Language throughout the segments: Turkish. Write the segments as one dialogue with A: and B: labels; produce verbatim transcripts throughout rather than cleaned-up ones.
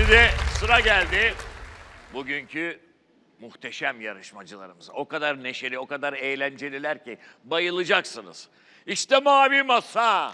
A: Şimdi sıra geldi bugünkü muhteşem yarışmacılarımıza. O kadar neşeli, o kadar eğlenceliler ki bayılacaksınız. İşte Mavi Masa.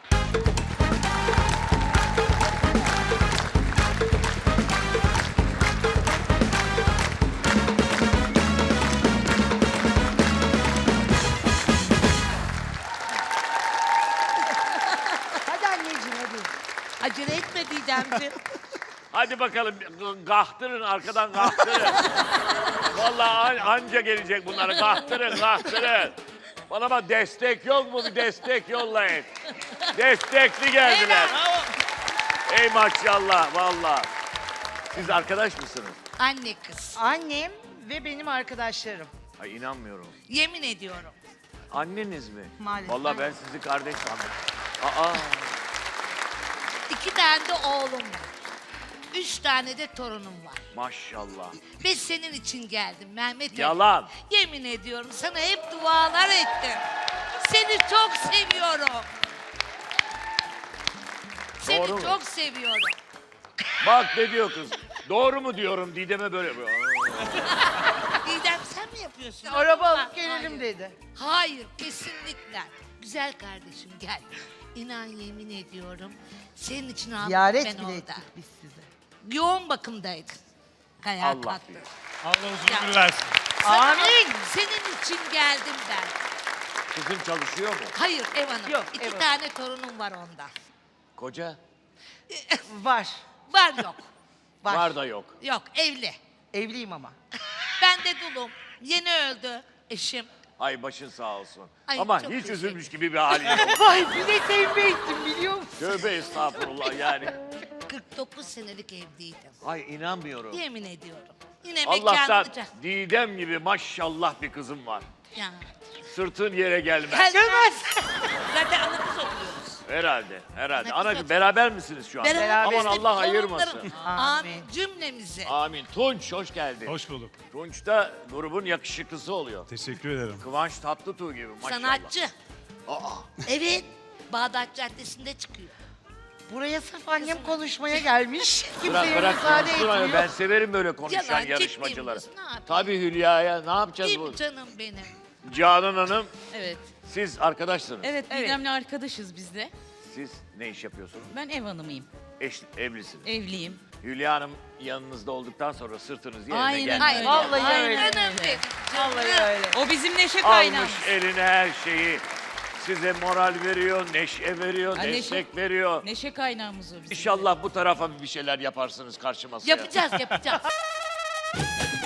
B: Hadi anneciğim hadi.
C: Acele etme Didemciğim.
A: Hadi bakalım gahtırın, arkadan gahtırın. Vallahi an- anca gelecek bunlara. Gahtırın, gahtırın. Bana bak, destek yok mu? Bir destek yollayın. Destekli geldiler. Ey maşallah vallahi. Siz arkadaş mısınız?
C: Anne kız.
B: Annem ve benim arkadaşlarım.
A: Ay inanmıyorum.
C: Yemin ediyorum.
A: Anneniz mi?
B: Maalesef.
A: Vallahi ben sizi kardeş sandım. Aa,
C: İki tane de oğlum var. Üç tane de torunum var.
A: maşallah.
C: Ve senin için geldim Mehmet Ali.
A: Yalan.
C: Yemin ediyorum sana hep dualar ettim. Seni çok seviyorum. Seni
A: Doğru mu?
C: çok seviyorum.
A: Bak ne diyor kız. Doğru mu diyorum Didem'e böyle. Aa.
C: Didem sen mi yapıyorsun?
B: Araba
C: Ha,
B: alıp gelelim
C: hayır.
B: dedi.
C: Hayır, kesinlikle. Güzel kardeşim gel. İnan yemin ediyorum. Senin için aldım
B: Ziyaret
C: ben
B: bile
C: orada.
B: ettik biz size.
C: Yoğun bakımdaydın. Ayağa
A: Allah
C: kalktın.
A: bilir.
D: Allah uzun
C: Ya.
D: ömür versin.
C: Sana-
B: Amin.
C: Senin için geldim ben.
A: Kızın çalışıyor mu?
C: Hayır ev hanım.
B: Yok,
C: İki
B: ev hanım.
C: tane torunum var onda.
A: Koca?
B: Var.
C: Var yok.
B: Var.
A: Var da yok.
C: Yok evli.
B: Evliyim ama.
C: Ben de dulum. Yeni öldü eşim.
A: Ay başın sağ olsun.
C: Ay,
A: Ama
C: çok
A: hiç
C: teşekkür
A: üzülmüş gibi bir hali yok.
B: Vay bir de tevbe ettim biliyor musun?
A: Tövbe estağfurullah yani.
C: kırk dokuz senelik evliydim.
A: Ay inanmıyorum.
C: Yemin ediyorum. Yine
A: Allah'tan
C: mekanlıca.
A: Didem gibi maşallah bir kızım var.
C: Ya.
A: Sırtın yere gelmez.
C: Gelmez. Zaten ana kız oturuyoruz.
A: Herhalde, herhalde.
C: Ne
A: Ana
C: güzel.
A: beraber misiniz şu an?
C: Beraber
A: Aman
C: işte
A: Allah
C: torunlarım.
A: ayırmasın.
C: Amin.
B: Amin.
C: Cümlemizi.
A: Amin. Tunç hoş geldin.
D: Hoş bulduk.
A: Tunç da grubun yakışıklısı oluyor.
D: Teşekkür ederim.
A: Kıvanç Tatlıtuğ gibi maşallah.
C: Sanatçı.
A: Aa,
C: Evet. Bağdat Caddesi'nde çıkıyor.
B: Buraya sırf annem konuşmaya gelmiş.
A: bırak
B: Kimseye
A: bırak
B: müsaade
A: konuşsun onu.
B: etmiyor.
A: Ben severim böyle konuşan
C: Yalan, ciddi
A: yarışmacıları.
C: misin? Ne yapayım?
A: Tabii Hülya'ya ne yapacağız
C: Değil
A: bu?
C: mi canım benim?
A: Canan Hanım
E: Evet.
A: siz arkadaşsınız.
E: Evet, Didem'le arkadaşız biz de.
A: Siz ne iş yapıyorsunuz?
E: Ben ev hanımıyım.
A: Eş, evlisiniz.
E: Evliyim.
A: Hülya Hanım yanınızda olduktan sonra sırtınız yerine
E: Aynen
A: geldi.
E: öyle.
B: Vallahi
E: Aynen
B: öyle.
C: Canım benim.
B: Vallahi
C: Canım.
B: öyle.
E: O bizim neşe kaynağımız.
A: Almış eline her şeyi. Size moral veriyor, neşe veriyor,
E: Ha, neşe-
A: destek veriyor.
E: Neşe kaynağımız o bizim.
A: İnşallah bu tarafa bir şeyler yaparsınız karşı masaya.
C: Yapacağız yapacağız.